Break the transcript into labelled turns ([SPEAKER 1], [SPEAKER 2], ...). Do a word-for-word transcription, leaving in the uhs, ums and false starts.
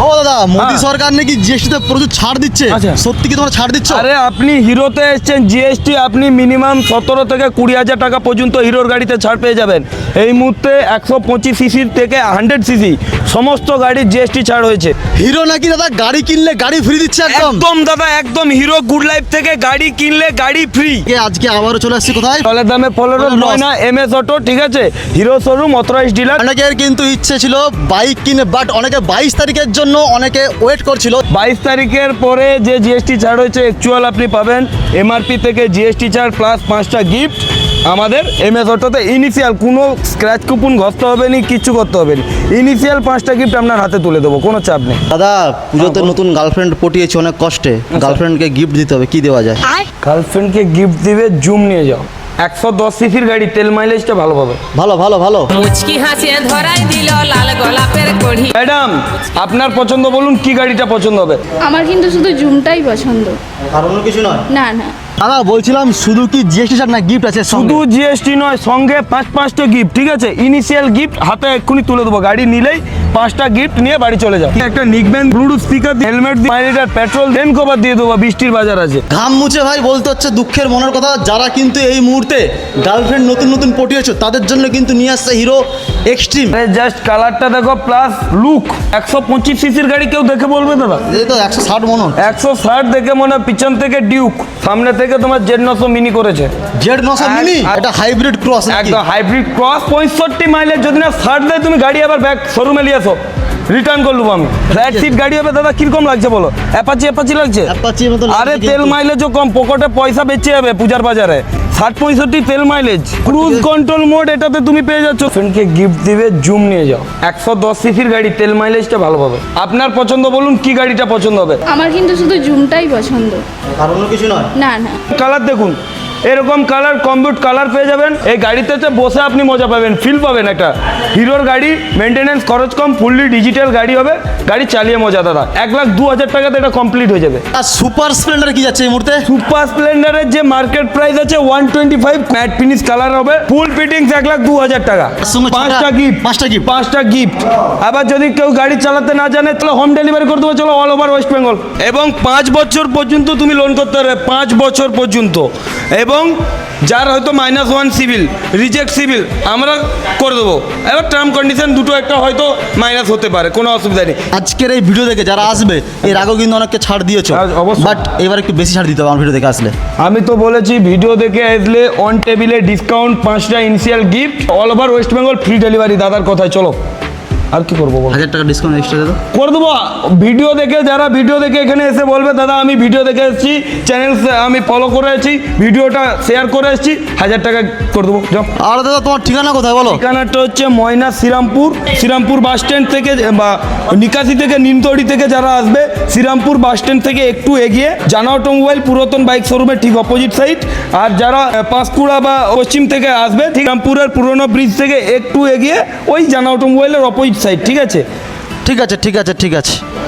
[SPEAKER 1] ও দাদা, মোদি সরকার নাকি জিএসটিতে প্রচুর ছাড় দিচ্ছে, সত্যি কি তোমরা ছাড় দিচ্ছ?
[SPEAKER 2] আরে আপনি হিরোতে এসেছেন, জিএসটি আপনি মিনিমাম সতেরো থেকে কুড়ি হাজার টাকা পর্যন্ত হিরোর গাড়িতে ছাড় পেয়ে যাবেন। এই মুহূর্তে একশো পঁচিশ সিসি থেকে হান্ড্রেড সিসি সমস্ত গাড়ির জিএসটি ছাড় হয়েছে।
[SPEAKER 1] হিরো নাকি দাদা গাড়ি কিনলে গাড়ি ফ্রি দিচ্ছে একদম।
[SPEAKER 2] একদম দাদা, একদম হিরো গুড লাইফ থেকে গাড়ি কিনলে গাড়ি ফ্রি।
[SPEAKER 1] আজকে আবারও চলে আসছি কোথায়?
[SPEAKER 2] তলের দামে ফলোর নয় না এম এস অটো, ঠিক আছে, হিরো শোরুম অথরাইজড ডিলার।
[SPEAKER 1] অনেকের কিন্তু ইচ্ছে ছিল বাইক কিনে, বাট অনেকে বাইশ তারিখের জন্য অনেকে ওয়েট করছিল।
[SPEAKER 2] বাইশ তারিখের পরে যে জিএসটি ছাড় হয়েছে অ্যাকচুয়াল আপনি পাবেন এমআরপি থেকে জিএসটি ছাড় প্লাস পাঁচটা গিফট। আমাদের এম এস অটোতে ইনিশিয়াল কোনো স্ক্র্যাচ কুপন ঘষতে হবে না, কিচ্ছু করতে হবে না, ইনিশিয়াল পাঁচটা গিফট আপনার হাতে তুলে দেবো, কোনো চাপ নেই।
[SPEAKER 1] দাদা পুজোতে নতুন গার্লফ্রেন্ড পটিয়েছে অনেক কষ্টে, গার্লফ্রেন্ডকে গিফট দিতে হবে, কি দেওয়া যায়?
[SPEAKER 2] গার্লফ্রেন্ডকে গিফট দিবে জুম নিয়ে যাও, একশো দশ সিসির গাড়ি, তেল মাইলেজটা ভালো পাবে।
[SPEAKER 1] ভালো ভালো ভালো।
[SPEAKER 3] মুচকি হাসিয়ে ধরাই দিল লাল গোলাপের কড়ি।
[SPEAKER 2] ম্যাডাম আপনার পছন্দ বলুন, কি গাড়িটা পছন্দ হবে?
[SPEAKER 4] আমার কিন্তু শুধু জুমটাই পছন্দ,
[SPEAKER 1] আর অন্য কিছু নয়।
[SPEAKER 4] না না
[SPEAKER 1] দাদা বলছিলাম শুধু কি জিএসটি ছাড় না গিফট আছে?
[SPEAKER 2] শুধু জিএসটি নয়, সঙ্গে পাঁচ পাঁচটা গিফট, ঠিক আছে, ইনিশিয়াল গিফট হাতে এক্ষুনি তুলে দেবো, গাড়ি নিলেই পাঁচটা গিফট নিয়ে বাড়ি চলে যাও। একটা নিকবেন ব্লুটুথ স্পিকার, হেলমেট, পাঁচ লিটার পেট্রোল, দেন কভার দিয়ে দেবো, বৃষ্টির বাজার আছে।
[SPEAKER 1] ঘাম মুছে ভাই বলতে হচ্ছে দুঃখের মনের কথা, যারা কিন্তু এই মুহূর্তে গার্লফ্রেন্ড নতুন নতুন পটিয়েছো তাদের জন্য কিন্তু নিয়ে আসছে হিরো এক্সট্রিম।
[SPEAKER 2] জাস্ট কালারটা দেখো প্লাস লুক, একশো পঁচিশ সিসির গাড়ি কেউ দেখে বলবে দাদা?
[SPEAKER 1] এই তো একশো ষাট মনে হয়।
[SPEAKER 2] একশো ষাট দেখে মনে হয় পিছন থেকে ডিউক, সামনে থেকে তোমার জেড নশো মিনি করেছে।
[SPEAKER 1] জেড নশো মিনি, এটা হাইব্রিড ক্রস।
[SPEAKER 2] একদম হাইব্রিড ক্রস, পঁয়ষট্টি মাইলের যদি না ষাট দেয় তুমি গাড়ি আবার ব্যাক শোরুমে নিয়ে আসো, রিটার্ন করে নেবো আমি। ফ্ল্যাট সিট গাড়ি হবে দাদা, কিরকম লাগছে বলো? অ্যাপাচি অ্যাপাচি লাগছে?
[SPEAKER 1] অ্যাপাচির মতো লাগছে
[SPEAKER 2] আরে
[SPEAKER 1] কিন্তু।
[SPEAKER 2] তেল মাইলেজও কম, পকেটে পয়সা বেঁচে যাবে পূজার বাজারে। ষাট পঁয়ষট্টি তেল মাইলেজ, ক্রুজ কন্ট্রোল মোড এটাতে তুমি পেয়ে যাচ্ছ। ফ্রেন্ডকে গিফট দিবে জুম নিয়ে যাও, একশো দশ সিসির গাড়ি, তেল মাইলেজটা ভালো পাবে। আপনার পছন্দ বলুন, কি গাড়িটা পছন্দ হবে?
[SPEAKER 4] আমার কিন্তু শুধু জুমটাই পছন্দ,
[SPEAKER 1] আর অন্য কিছু নয়।
[SPEAKER 4] না না
[SPEAKER 2] কালার দেখুন, এরকম কালার কমবিউট কালার পেয়ে যাবেন। এই গাড়িতে তো বসে আপনি মজা পাবেন, ফিল পাবেন। একটা হিরোর গাড়ি, মেনটেন্যান্স খরচ কম, ফুললি ডিজিটাল গাড়ি হবে, গাড়ি চালিয়ে মজা দাদা। এক লাখ দু হাজার টাকাতে এটা কমপ্লিট হয়ে যাবে।
[SPEAKER 1] আর সুপার স্প্লেন্ডার কি যাচ্ছে এই মুহূর্তে?
[SPEAKER 2] সুপার স্প্লেন্ডারের যে মার্কেট প্রাইস আছে one twenty five, matte finish colour হবে, ফুল ফিটিংস এক লাখ দু হাজার টাকা,
[SPEAKER 1] সঙ্গে
[SPEAKER 2] পাঁচটা গিফট,
[SPEAKER 1] পাঁচটা গিফট
[SPEAKER 2] পাঁচটা গিফট। আবার যদি কেউ গাড়ি চালাতে না জানে তাহলে হোম ডেলিভারি করে দেবো, চলো অল ওভার ওয়েস্ট বেঙ্গল। এবং পাঁচ বছর পর্যন্ত তুমি লোন করতে পারবে, পাঁচ বছর পর্যন্ত। এবং যার হয়তো minus one CIBIL, reject CIBIL, আমরা করে দেবো। এবার টার্ম কন্ডিশন দুটো একটা হয়তো মাইনাস হতে পারে, কোনো অসুবিধা নেই।
[SPEAKER 1] আজকের এই ভিডিও দেখে যারা আসবে, এর আগেও কিন্তু অনেককে ছাড় দিয়েছো,
[SPEAKER 2] হ্যাঁ, অবশ্যই।
[SPEAKER 1] বাট এবার একটু বেশি ছাড় দিতে হবে আমার ভিডিও দেখে আসলে।
[SPEAKER 2] আমি তো বলেছি ভিডিও দেখে আসলে অন টেবিলে ডিসকাউন্ট, পাঁচটা initial gift, all over West Bengal free delivery. দাদার কথায় চলো, আর কি করবো বল?
[SPEAKER 1] হাজার টাকা ডিসকাউন্ট এক্সট্রা দেবো
[SPEAKER 2] করে দেবো। ভিডিও দেখে যারা ভিডিও দেখে এখানে এসে বলবে দাদা আমি ভিডিও দেখে এসেছি, চ্যানেল আমি ফলো করে এসেছি, ভিডিওটা শেয়ার করে এসেছি, হাজার টাকা করে দেবো। যাও।
[SPEAKER 1] আর দাদা তোমার ঠিকানা কোথায় বলো?
[SPEAKER 2] ঠিকানাটা হচ্ছে ময়না শ্রীরামপুর, শ্রীরামপুর বাস স্ট্যান্ড থেকে বা নিকাশি থেকে নিমতড়ি থেকে যারা আসবে, শ্রীরামপুর বাস স্ট্যান্ড থেকে একটু এগিয়ে জানা অটোমোবাইল পুরাতন বাইক শোরুমের ঠিক অপোজিট সাইড। আর যারা আহ, পাঁশকুড়া বা পশ্চিম থেকে আসবে, ঠিক রামপুরের পুরনো ব্রিজ থেকে একটু এগিয়ে ওই জানা অটোমোবাইলের অপোজিট সাইড, ঠিক আছে?
[SPEAKER 1] ঠিক আছে ঠিক আছে ঠিক আছে।